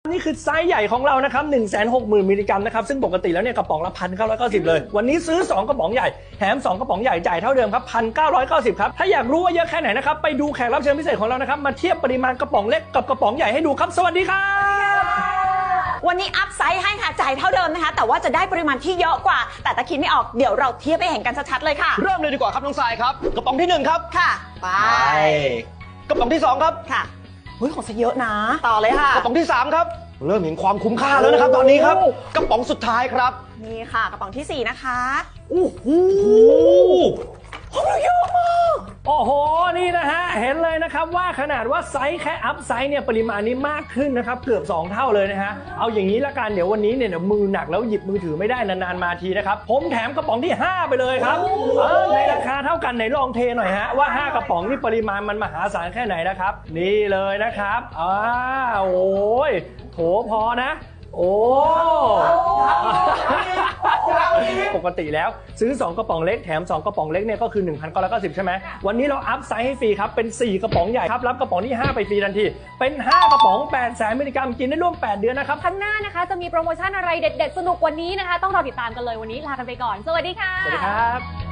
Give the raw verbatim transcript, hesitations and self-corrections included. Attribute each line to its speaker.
Speaker 1: นี่คือไซส์ใหญ่ของเรานะครับ หนึ่งแสนหกหมื่น มิลลิกรัมนะครับซึ่งปกติแล้วเนี่ยกระป๋องละ หนึ่งพันเก้าร้อยเก้าสิบ เลยวันนี้ซื้อสองกระป๋องใหญ่แถมสองกระป๋องใหญ่จ่ายเท่าเดิมครับ หนึ่งพันเก้าร้อยเก้าสิบ ครับถ้าอยากรู้ว่าเยอะแค่ไหนนะครับไปดูแขกรับเชิญพิเศษของเรานะครับมาเทียบปริมาณกระป๋องเล็กกับกระป๋องใหญ่ให้ดูครับสวัสดีครับ
Speaker 2: วันนี้อัพไซส์ให้ค่ะจ่ายเท่าเดิมนะคะแต่ว่าจะได้ปริมาณที่เยอะกว่าแต่ตะคิดไม่ออกเดี๋ยวเราเทียบให้เห็นกันชัดๆเลยค่ะ
Speaker 3: เริ่มเลยดีกว่าครับน้องทรายครับกระป๋องที่หนึ่งครับ
Speaker 2: ค่ะไป
Speaker 3: กระป๋องที่สองครับ
Speaker 2: ค่ะเฮ้ยของซะเยอะนะต่อเลยค่ะ
Speaker 3: กระป๋องที่สามครับเริ่มเห็นความคุ้มค่าแล้วนะครับตอนนี้ครับกระป๋องสุดท้ายครับ
Speaker 2: นี่ค่ะกระป๋องที่สี่นะคะ
Speaker 3: โอ้โห
Speaker 2: เยอะมาก
Speaker 1: โอ้โหนี่นะฮะเห็นเลยนะครับว่าขนาดว่าไซส์แค่อัพไซส์เนี่ยปริมาณนี้มากขึ้นนะครับเกือบสองเท่าเลยนะฮะเอาอย่างนี้ละกันเดี๋ยววันนี้เนี่ยเดี๋ยวมือหนักแล้วหยิบมือถือไม่ได้นานๆมาทีนะครับผมแถมกระป๋องที่ห้าไปเลยครับในราคาเท่ากันไหนลองเทหน่อยฮะว่าห้ากระป๋องนี่ปริมาณมันมหาศาลแค่ไหนนะครับนี่เลยนะครับอ้าโอ้ยโถพอนะโอ้ปกติแล้วซื้อสองกระป๋องเล็กแถมสองกระป๋องเล็กเนี่ยก็คือ หนึ่งพันเก้าร้อยเก้าสิบ ใช่ไหมวันนี้เราอัพไซส์ให้ฟรีครับเป็นสี่กระป๋องใหญ่ครับรับกระป๋องที่ห้าไปฟรีทันทีเป็นห้ากระป๋องแปดแสนมิลลิกรัมกินได้ร่วมแปดเดือนนะครับ
Speaker 4: ครั้งหน้านะคะจะมีโปรโมชั่นอะไรเด็ดๆสนุกกว่านี้นะคะต้องรอติดตามกันเลยวันนี้ลากันไปก่อนสวัสดีค่ะ
Speaker 1: สวัสดีครับ